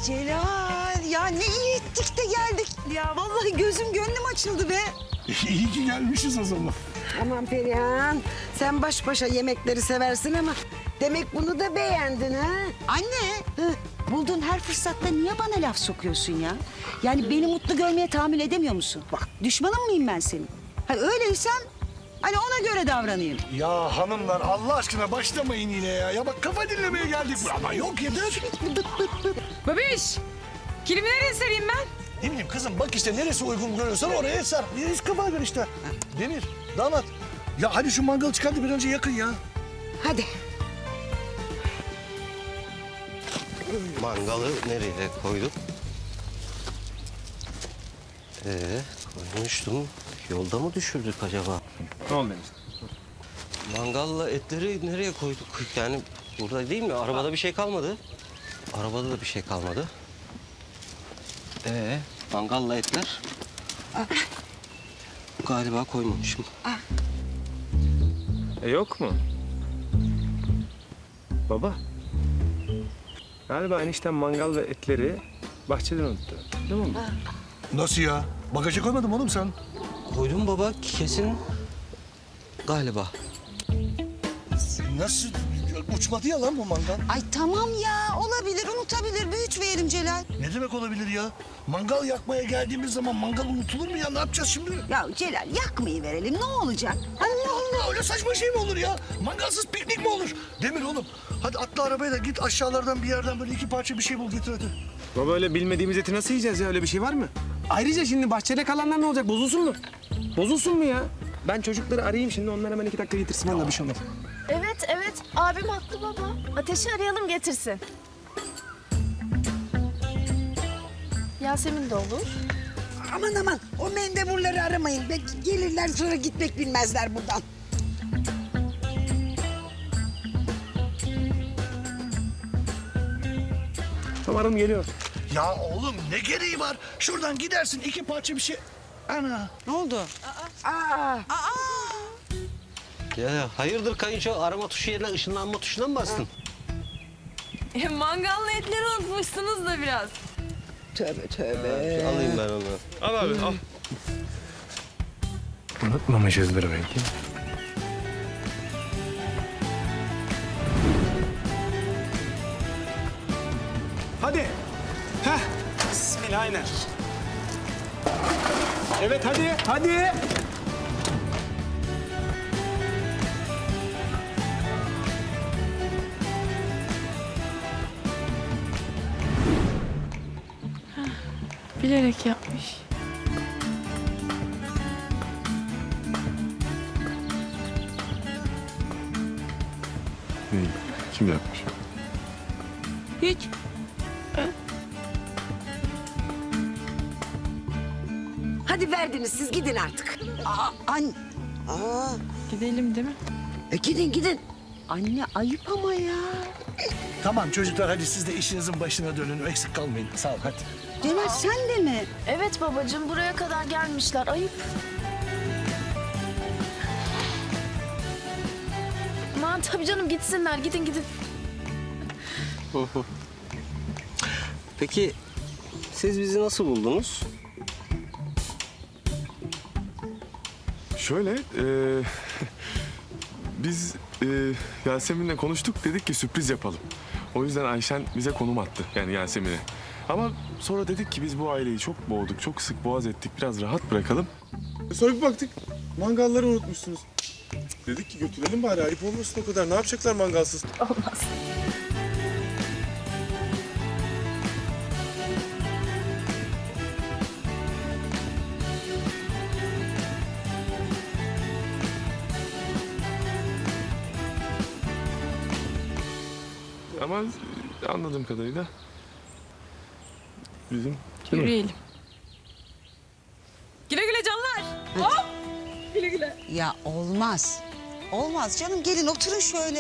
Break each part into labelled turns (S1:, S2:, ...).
S1: Celal ya ne iyi ettik de geldik. Ya vallahi gözüm gönlüm açıldı be.
S2: İyi ki gelmişiz o zaman.
S3: Aman Perihan, sen baş başa yemekleri seversin ama demek bunu da beğendin ha?
S1: Anne. Bulduğun her fırsatta niye bana laf sokuyorsun ya? Yani beni mutlu görmeye tahammül edemiyor musun? Bak düşmanın mıyım ben senin? Hani öyleysen hani ona göre davranayım.
S2: Ya hanımlar Allah aşkına başlamayın yine ya. Ya bak kafa dinlemeye geldik. Ama yok yeter.
S4: Babiş, kilimi nereye sereyim ben?
S2: Ne bileyim kızım bak işte neresi uygun görüyorsan oraya sar. Neresi kafa gör işte. Demir, damat. Ya hadi şu mangalı çıkardı bir önce yakın ya.
S3: Hadi.
S5: Mangalı nereye koyduk? Koymuştum. Yolda mı düşürdük acaba?
S6: Ne oldu Deniz?
S5: Mangalla etleri nereye koyduk? Yani burada değil mi? Arabada bir şey kalmadı. Arabada da bir şey kalmadı. Mangalla etler. Galiba koymamışım.
S6: Yok mu? Baba. Galiba enişten mangal ve etleri bahçeden unuttu. Değil mi?
S2: Nasıl ya? Bagaja koymadın oğlum sen?
S5: Koydum baba kesin. Galiba.
S2: Nasıl? Uçmadı ya lan bu mangal.
S1: Ay tamam ya olabilir unutabilir büyütmeyelim Celal.
S2: Ne demek olabilir ya? Mangal yakmaya geldiğimiz zaman mangal unutulur mu ya? Ne yapacağız şimdi?
S1: Ya Celal yakmayı verelim ne olacak?
S2: Allah Allah öyle saçma şey mi olur ya? Mangalsız piknik mi olur? Demir oğlum hadi atla arabaya da git aşağılardan bir yerden böyle iki parça bir şey bul getir hadi.
S6: Baba öyle bilmediğimiz eti nasıl yiyeceğiz ya? Öyle bir şey var mı? Ayrıca şimdi bahçede kalanlar ne olacak? Bozulsun mu? Bozulsun mu ya? Ben çocukları arayayım şimdi. Onlar hemen 2 dakika getirsin. Vallahi bir şey olmaz.
S7: Evet. Abim haklı baba. Ateşi arayalım getirsin. Yasemin de olur.
S3: Aman o mendeburları aramayın. Belki gelirler sonra gitmek bilmezler buradan.
S6: Tamam aradım geliyor.
S2: Ya oğlum ne gereği var? Şuradan gidersin iki parça bir şey. Ana.
S1: Ne oldu?
S5: Ya hayırdır kayınço? Arama tuşu yerine ışınlanma tuşuna mı bastın?
S7: Mangallı etleri unutmuşsunuz da biraz.
S3: Tövbe.
S5: Alayım ben onu.
S6: Al abi al. Unutmamışızdır belki. Hadi. Heh. Bismillah aynen. Evet hadi.
S7: Bilerek yapmış.
S6: Kim yapmış?
S7: Hiç.
S3: Hadi verdiniz siz gidin artık.
S1: Anne,
S7: Gidelim değil mi?
S3: Gidin.
S1: anne ayıp ama ya.
S2: Tamam çocuklar hadi siz de işinizin başına dönün. Eksik kalmayın. Sağ ol hadi.
S1: Celal sen de mi?
S7: Evet babacığım buraya kadar gelmişler. Ayıp. Aman tabii canım gitsinler. Gidin.
S5: Peki siz bizi nasıl buldunuz?
S8: Şöyle, biz Yasemin'le konuştuk, dedik ki sürpriz yapalım. O yüzden Ayşen bize konum attı, yani Yasemin'e. Ama sonra dedik ki biz bu aileyi çok boğduk, çok sık boğaz ettik, biraz rahat bırakalım. Sonra bir baktık, mangalları unutmuşsunuz. Dedik ki götürelim bari, ayıp olmasın o kadar. Ne yapacaklar mangalsız?
S7: Olmaz.
S8: Ama anladığım kadarıyla bizim...
S7: Yürüyelim. Güle güle canlar. Hop. Güle.
S1: Ya olmaz. Olmaz canım gelin oturun şöyle.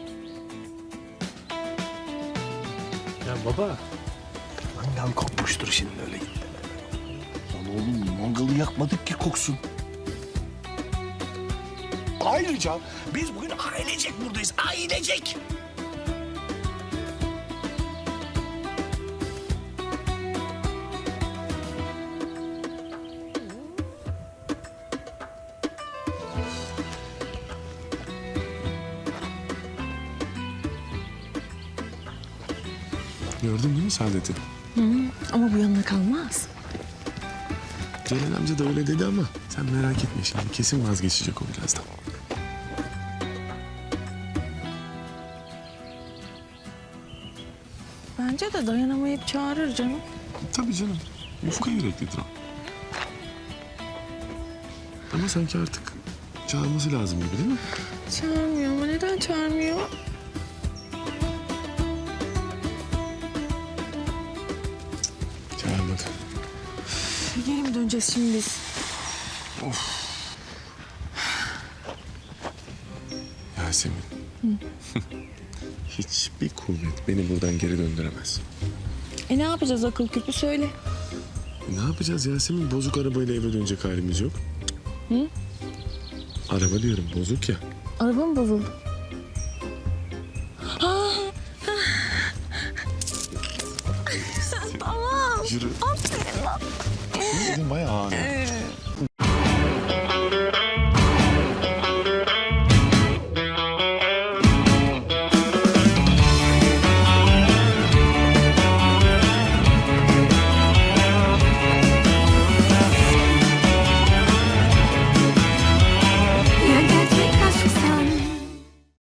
S6: Ya baba.
S2: Mangal kokmuştur şimdi öyle gitti. Lan oğlum mangalı yakmadık ki koksun. Ayrıca biz bugün ailecek buradayız. Ailecek.
S8: Gördün değil mi Saadet'i?
S9: Ama bu yanına kalmaz.
S8: Celal amca da öyle dedi ama sen merak etme şimdi. Kesin vazgeçecek o birazdan.
S9: Bence de dayanamayıp çağırır canım.
S8: Tabii canım. Yufka yüreklidir o. Ama sanki artık çağırması lazım gibi değil mi?
S9: Çağırmıyor ama neden çağırmıyor?
S8: Çağırmadı.
S9: Geri mi döneceğiz şimdi biz?
S8: Yasemin. Hiçbir kuvvet beni buradan geri döndüremez.
S9: Ne yapacağız akıl küpü söyle.
S8: Ne yapacağız Yasemin? Bozuk arabayla eve dönecek halimiz yok.
S9: Hı?
S8: Araba diyorum bozuk ya.
S9: Araba mı bozuldu? Tamam.
S8: Yürü.
S9: Aferin lan.
S8: Senin elin bayağı ağır.